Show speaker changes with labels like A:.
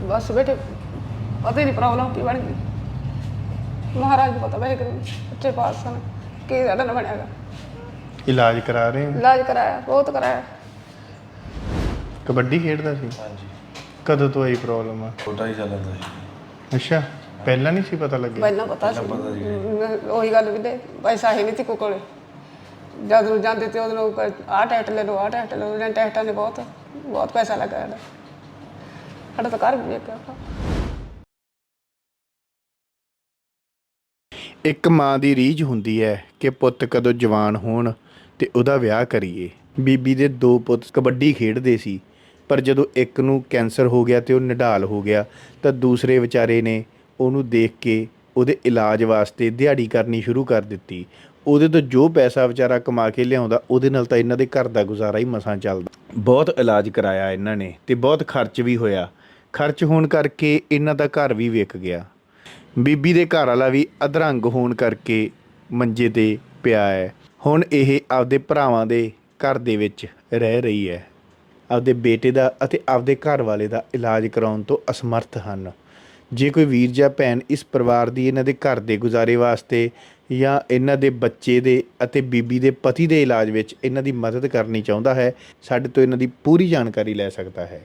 A: बस बेटे पता ही नहीं प्रॉब्लम की बन गई। महाराज को पता वैसे अच्छे पास सन कि साढ़ा ना बनेगा।
B: इलाज करा रहे हो?
A: इलाज कराया, बहुत कराया।
B: कबड्डी खेडदा सी?
C: ਹਾਂਜੀ
B: कदों तो आई प्रॉब्लम आ?
C: ਛੋਟਾ ਹੀ ਚੱਲਦਾ ਸੀ।
B: अच्छा पहला नहीं सी पता लगे?
A: पहला पता सी वही गल भी पैसा ही नहीं थी कोई कोले। जद ਨੂੰ ਜਾਂਦੇ ਤੇ ਉਹਨੂੰ ਆਹ ਟੈਸਟ ਲੈ ਲਓ, ਆਹ ਟੈਸਟ ਲੈ ਲਓ। ਇਹਨਾਂ ਟੈਸਟਾਂ ਨੇ ਬਹੁਤ ਪੈਸਾ ਲੱਗਾ ਸਾਡਾ। ਸਾਡਾ ਤਾਂ ਘਰ ਵੀ ਵੇਖਿਆ।
B: ਇੱਕ ਮਾਂ ਦੀ ਰੀਝ ਹੁੰਦੀ ਹੈ ਕਿ ਪੁੱਤ ਕਦੋਂ ਜਵਾਨ ਹੋਣ ਤੇ ਉਹਦਾ ਵਿਆਹ ਕਰੀਏ। ਬੀਬੀ ਦੇ 2 ਪੁੱਤ ਕਬੱਡੀ ਖੇਡਦੇ ਸੀ, ਪਰ ਜਦੋਂ ਇੱਕ ਨੂੰ ਕੈਂਸਰ ਹੋ ਗਿਆ ਤੇ ਉਹ ਨਿਢਾਲ ਹੋ ਗਿਆ ਤਾਂ ਦੂਸਰੇ ਵਿਚਾਰੇ ਨੇ ਉਹਨੂੰ ਦੇਖ ਕੇ ਉਹਦੇ ਇਲਾਜ ਵਾਸਤੇ ਦਿਹਾੜੀ ਕਰਨੀ ਸ਼ੁਰੂ ਕਰ ਦਿੱਤੀ। ਉਹਦੇ ਤੋਂ ਜੋ ਪੈਸਾ ਵਿਚਾਰਾ ਕਮਾ ਕੇ ਲਿਆਉਂਦਾ ਉਹਦੇ ਨਾਲ ਤਾਂ ਇਹਨਾਂ ਦੇ ਘਰ ਦਾ ਗੁਜ਼ਾਰਾ ਹੀ ਮਸਾਂ ਚੱਲਦਾ। ਬਹੁਤ ਇਲਾਜ ਕਰਾਇਆ ਇਹਨਾਂ ਨੇ ਤੇ ਬਹੁਤ ਖਰਚ ਵੀ ਹੋਇਆ। ਖਰਚ ਹੋਣ ਕਰਕੇ ਇਹਨਾਂ ਦਾ ਘਰ ਵੀ ਵਿਕ ਗਿਆ। ਬੀਬੀ ਦੇ ਘਰ ਵਾਲਾ ਵੀ ਅਧਰੰਗ ਹੋਣ ਕਰਕੇ ਮੰਜੇ 'ਤੇ ਪਿਆ ਹੈ। ਹੁਣ ਇਹ ਆਪਦੇ ਭਰਾਵਾਂ ਦੇ ਘਰ ਦੇ ਵਿੱਚ ਰਹਿ ਰਹੀ ਹੈ। ਆਪਦੇ ਬੇਟੇ ਦਾ ਅਤੇ ਆਪਦੇ ਘਰ ਵਾਲੇ ਦਾ ਇਲਾਜ ਕਰਾਉਣ ਤੋਂ ਅਸਮਰਥ ਹਨ। ਜੇ ਕੋਈ ਵੀਰ ਜਾਂ ਭੈਣ ਇਸ ਪਰਿਵਾਰ ਦੀ ਇਹਨਾਂ ਦੇ ਘਰ ਦੇ ਗੁਜ਼ਾਰੇ ਵਾਸਤੇ ਜਾਂ ਇਹਨਾਂ ਦੇ ਬੱਚੇ ਦੇ ਅਤੇ ਬੀਬੀ ਦੇ ਪਤੀ ਦੇ ਇਲਾਜ ਵਿੱਚ ਇਹਨਾਂ ਦੀ ਮਦਦ ਕਰਨੀ ਚਾਹੁੰਦਾ ਹੈ, ਸਾਡੇ ਤੋਂ ਇਹਨਾਂ ਦੀ ਪੂਰੀ ਜਾਣਕਾਰੀ ਲੈ ਸਕਦਾ ਹੈ।